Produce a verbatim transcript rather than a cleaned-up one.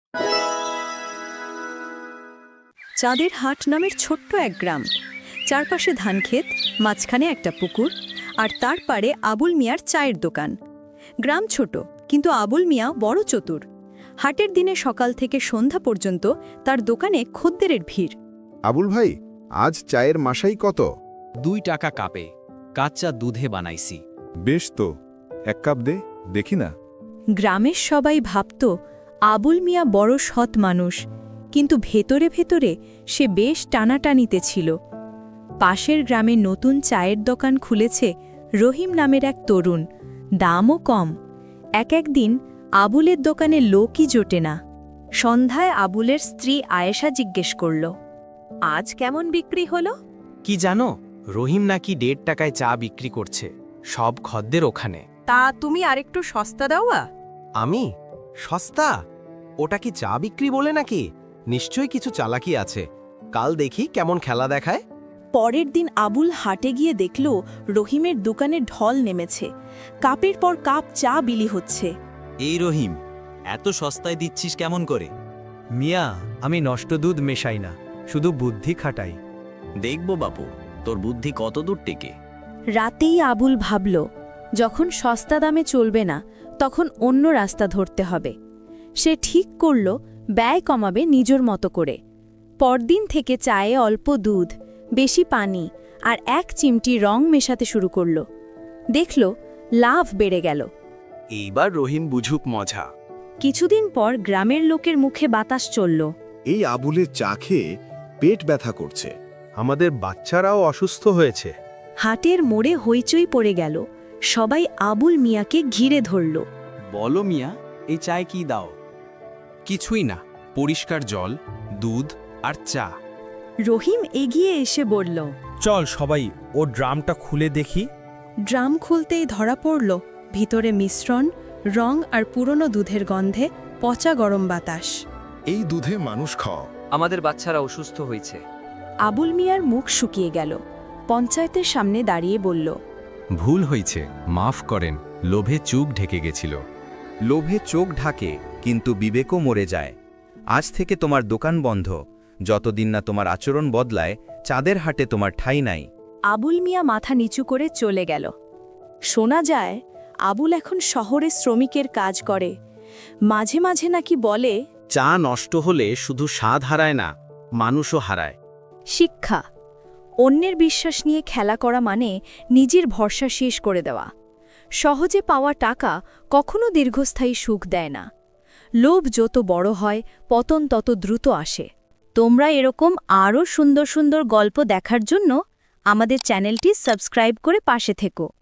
চাঁদের হাট নামের ছোট্ট এক গ্রাম। চারপাশে ধানক্ষেত, মাঝখানে একটা পুকুর, আর তার পারে আবুল মিয়ার চায়ের দোকান। গ্রাম ছোট, কিন্তু আবুল মিয়া বড় চতুর। হাটের দিনে সকাল থেকে সন্ধ্যা পর্যন্ত তার দোকানে খদ্দেরের ভিড়। আবুল ভাই, আজ চায়ের মাসাই কত? দুই টাকা কাপে, কাচ্চা দুধে বানাইছি। বেশ তো, এক কাপ দে, দেখি না। গ্রামের সবাই ভাবত আবুল মিয়া বড় সৎ মানুষ, কিন্তু ভেতরে ভেতরে সে বেশ টানাটানিতে ছিল। পাশের গ্রামে নতুন চায়ের দোকান খুলেছে রহিম নামের এক তরুণ, দামও কম। এক একদিন আবুলের দোকানে লোকই জোটে না। সন্ধ্যায় আবুলের স্ত্রী আয়েশা জিজ্ঞেস করল, আজ কেমন বিক্রি হলো? কি জানো, রহিম নাকি দেড় টাকায় চা বিক্রি করছে, সব খদ্দের ওখানে। তা তুমি আরেকটু সস্তা দাওয়া। আমি সস্তা? ওটা কি চা বিক্রি বলে নাকি? নিশ্চয়ই কিছু চালাকি আছে। কাল দেখি কেমন খেলা দেখায়। পরের দিন আবুল হাটে গিয়ে দেখল রহিমের দোকানে ঢল নেমেছে। কাপের পর কাপ চা বিলি হচ্ছে। এই রহিম, এত সস্তায় দিচ্ছিস কেমন করে? মিয়া, আমি নষ্ট দুধ মেশাই না, শুধু বুদ্ধি খাটাই। দেখব বাপু, তোর বুদ্ধি কত দূর টেকে। রাতেই আবুল ভাবল, যখন সস্তা দামে চলবে না, তখন অন্য রাস্তা ধরতে হবে। সে ঠিক করল ব্যয় কমাবে নিজের মতো করে। পরদিন থেকে চায়ে অল্প দুধ, বেশি পানি আর এক চিমটি রং মেশাতে শুরু করল। দেখল লাভ বেড়ে গেল। এইবার রহিম বুঝুক মজা। কিছুদিন পর গ্রামের লোকের মুখে বাতাস চলল, এই আবুলের চা খেয়ে পেট ব্যথা করছে। আমাদের বাচ্চারাও অসুস্থ হয়েছে। হাটের মোড়ে হইচই পড়ে গেল। সবাই আবুল মিয়াকে ঘিরে ধরল। বলো মিয়া, এই চায় কি দাও? কিছুই না, পরিষ্কার জল, দুধ আর চা। রহিম এগিয়ে এসে বলল, চল সবাই ও ড্রামটা খুলে দেখি। ড্রাম খুলতেই ধরা পড়ল ভিতরে মিশ্রণ, রং আর পুরনো দুধের গন্ধে পচা গরম বাতাস। এই দুধে মানুষ খাও। আমাদের বাচ্চারা অসুস্থ হয়েছে। আবুল মিয়ার মুখ শুকিয়ে গেল। পঞ্চায়েতের সামনে দাঁড়িয়ে বলল, ভুল হয়েছে, মাফ করেন, লোভে চোখ ঢেকে গেছিল। লোভে চোখ ঢাকে, কিন্তু বিবেকও মরে যায়। আজ থেকে তোমার দোকান বন্ধ। যতদিন না তোমার আচরণ বদলায়, চাঁদের হাটে তোমার ঠাঁই নাই। আবুল মিয়া মাথা নিচু করে চলে গেল। শোনা যায় আবুল এখন শহরে শ্রমিকের কাজ করে। মাঝে মাঝে নাকি বলে, চা নষ্ট হলে শুধু স্বাদ হারায় না, মানুষও হারায়। শিক্ষা, অন্যের বিশ্বাস নিয়ে খেলা করা মানে নিজের ভরসা শেষ করে দেওয়া। সহজে পাওয়া টাকা কখনো দীর্ঘস্থায়ী সুখ দেয় না। লোভ যত বড় হয়, পতন তত দ্রুত আসে। তোমরা এরকম আরও সুন্দর সুন্দর গল্প দেখার জন্য আমাদের চ্যানেলটি সাবস্ক্রাইব করে পাশে থেকো।